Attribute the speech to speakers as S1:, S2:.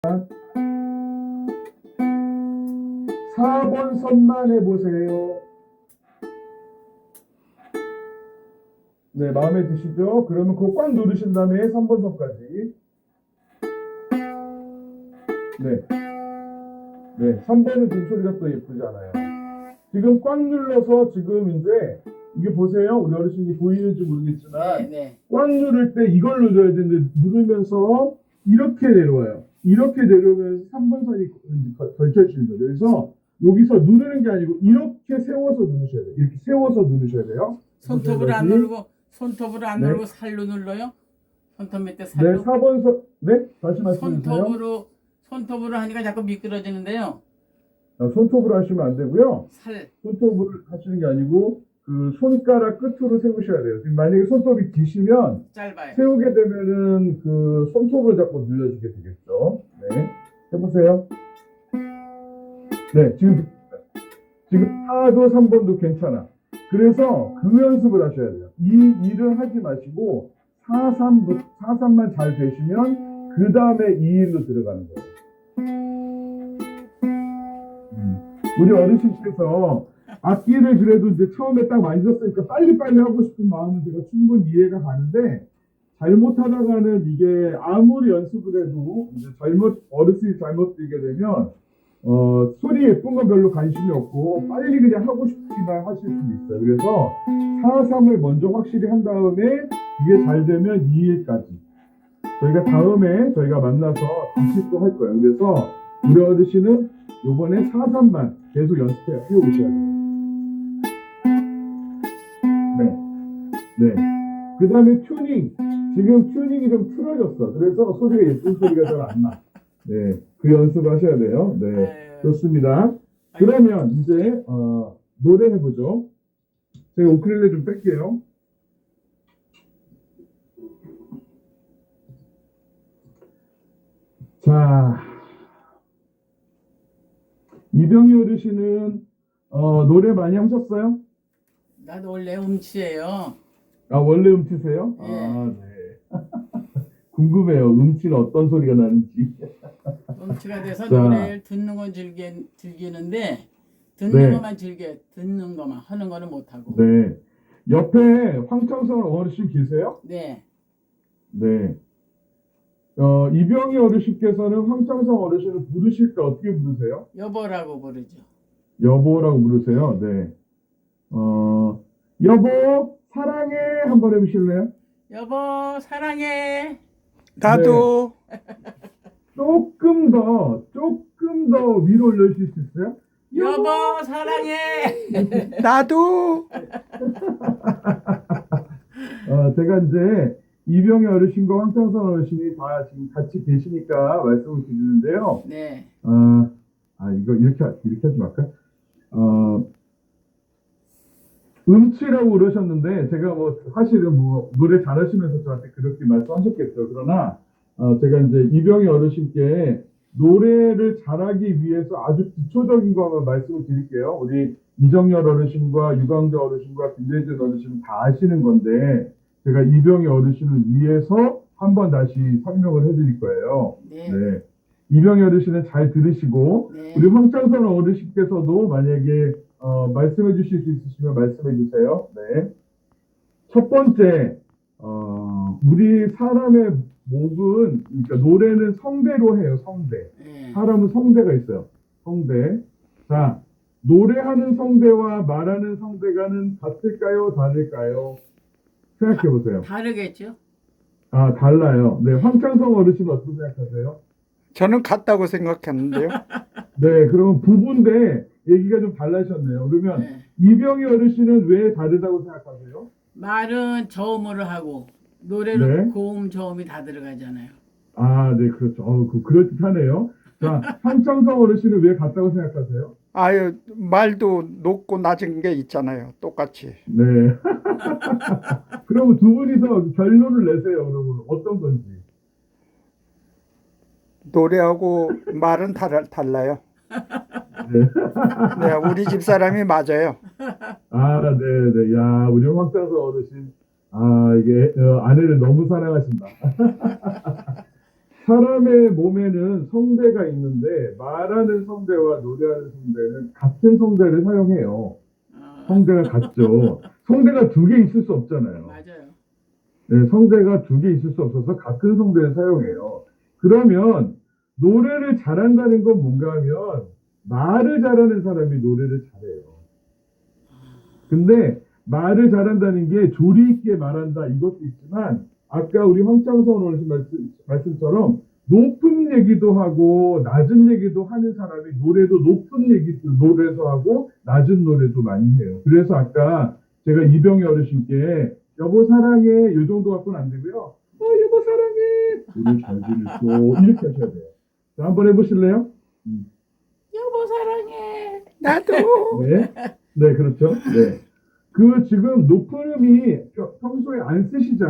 S1: 4번 선만 해보세요. 네, 마음에 드시죠? 그러면 그거 꽉 누르신 다음에 3번 선까지. 네. 네, 3번은 좀 소리가 또 예쁘지 않아요. 지금 꽉 눌러서 지금 이제 이게 보세요. 우리 어르신이 보이는지 모르겠지만
S2: 네.
S1: 꽉 누를 때 이걸 눌러야 되는데 누르면서 이렇게 내려와요. 이렇게 내려오면서 3번 선이 걸쳐지는 거죠. 그래서 여기서 누르는 게 아니고 이렇게 세워서 누르셔야 돼요. 이렇게 세워서 누르셔야 돼요.
S2: 손톱으로 안 누르고 손톱으로 안
S1: 네.
S2: 누르고 살로 눌러요? 손톱 밑에
S1: 네,
S2: 살로?
S1: 4번 선, 네? 다시 말씀해 주세요.
S2: 손톱으로 하니까 자꾸 미끄러지는데요.
S1: 손톱으로 하시면 안 되고요.
S2: 살.
S1: 손톱으로 하시는 게 아니고 그 손가락 끝으로 세우셔야 돼요. 지금 만약에 손톱이 기시면
S2: 짧아요.
S1: 세우게 되면은 그 손톱을 잡고 눌러주게 되겠죠. 네, 해보세요. 네, 지금 4도 3번도 괜찮아. 그래서 그 연습을 하셔야 돼요. 이 일을 하지 마시고 4,3만 잘 되시면 그 다음에 이 일로 들어가는 거예요. 우리 어르신께서 악기를 그래도 이제 처음에 딱 만졌으니까 빨리빨리 하고 싶은 마음은 제가 충분히 이해가 가는데 잘못하다가는 이게 아무리 연습을 해도 이제 어르신이 잘못 들게 되면 소리 예쁜 건 별로 관심이 없고 빨리 그냥 하고 싶기만 하실 수 있어요. 그래서 4-3을 먼저 확실히 한 다음에 그게 잘 되면 2일까지 저희가 다음에 저희가 만나서 같이 또 할 거예요. 그래서 우리 어르신은 요번에 4-3만 계속 연습해 오셔야 돼요. 네. 그 다음에 튜닝. 지금 튜닝이 좀 틀어졌어. 그래서 소리가 예쁜 소리가 잘 안 나. 네. 그 연습 하셔야 돼요. 네. 좋습니다. 그러면 이제, 노래 해보죠. 제가 우쿨렐레 좀 뺄게요. 자. 이병희 어르신은, 노래 많이 하셨어요?
S2: 나도 원래 음치예요.
S1: 아, 원래 음치세요?
S2: 예.
S1: 아, 네. 궁금해요. 음치는 어떤 소리가 나는지.
S2: 음치가 돼서
S1: 자.
S2: 노래를 듣는 건 즐기는데 듣는
S1: 네.
S2: 것만 듣는 것만 하는 거는 못하고.
S1: 네. 옆에 황창선 어르신 계세요?
S2: 네.
S1: 네. 이병희 어르신께서는 황창선 어르신을 부르실 때 어떻게 부르세요?
S2: 여보라고 부르죠.
S1: 여보라고 부르세요? 네. 여보, 사랑해. 한번 해보실래요?
S2: 여보 사랑해.
S3: 나도
S1: 조금 더 위로 올려주실 수 있어요?
S2: 여보 사랑해.
S3: 나도
S1: 제가 이제 이병희 어르신과 황창선 어르신이 다 지금 같이 계시니까 말씀을 드리는데요.
S2: 네.
S1: 이거 이렇게 하지 말까? 음치라고 그러셨는데, 제가 사실은 노래 잘하시면서 저한테 그렇게 말씀하셨겠죠. 그러나, 제가 이제 이병희 어르신께 노래를 잘하기 위해서 아주 기초적인 거 한번 말씀을 드릴게요. 우리 이정열 어르신과 유광재 어르신과 김대준 어르신은 다 아시는 건데, 제가 이병희 어르신을 위해서 한번 다시 설명을 해드릴 거예요.
S2: 네.
S1: 네. 이병희 어르신은 잘 들으시고,
S2: 네.
S1: 우리 황창선 어르신께서도 만약에 말씀해 주실 수 있으시면 말씀해 주세요. 네. 첫 번째, 우리 사람의 목은, 그러니까 노래는 성대로 해요, 성대.
S2: 네.
S1: 사람은 성대가 있어요. 성대. 자, 노래하는 성대와 말하는 성대가는 같을까요? 다를까요? 생각해 보세요.
S2: 다르겠죠?
S1: 달라요. 네, 황창성 어르신은 어떻게 생각하세요?
S3: 저는 같다고 생각했는데요.
S1: 네, 그러면 부부인데 얘기가 좀 달라졌네요. 그러면
S2: 네.
S1: 이병희 어르신은 왜 다르다고 생각하세요?
S2: 말은 저음으로 하고 노래는
S1: 네.
S2: 고음 저음이 다 들어가잖아요.
S1: 네, 그렇죠. 그럴듯하네요. 자, 황창성 어르신은 왜 같다고 생각하세요?
S3: 아유, 말도 높고 낮은 게 있잖아요. 똑같이.
S1: 네. 그러면 두 분이서 결론을 내세요. 그러면 어떤 건지.
S3: 노래하고 말은 달라요.
S1: 네.
S3: 네, 우리 집 사람이 맞아요.
S1: 네. 야, 우리 황창성 어르신. 이게 아내를 너무 사랑하신다. 사람의 몸에는 성대가 있는데 말하는 성대와 노래하는 성대는 같은 성대를 사용해요. 성대가 같죠. 성대가 두 개 있을 수 없잖아요.
S2: 맞아요.
S1: 네, 성대가 두 개 있을 수 없어서 같은 성대를 사용해요. 그러면 노래를 잘한다는 건 뭔가 하면 말을 잘하는 사람이 노래를 잘해요. 근데 말을 잘한다는 게 조리 있게 말한다 이것도 있지만 아까 우리 황창선 어르신 말씀처럼 높은 얘기도 하고 낮은 얘기도 하는 사람이 노래도 높은 얘기도 노래도 하고 낮은 노래도 많이 해요. 그래서 아까 제가 이병희 어르신께 여보 사랑해 이 정도 갖고는 안 되고요. 여보 사랑해 노래 잘 들으시고 이렇게 하셔야 돼요. 자, 한번 해보실래요?
S2: 여보 사랑해.
S3: 나도.
S1: 네, 네 그렇죠. 네. 그 지금 높은 음이 평소에 안 쓰시잖아요.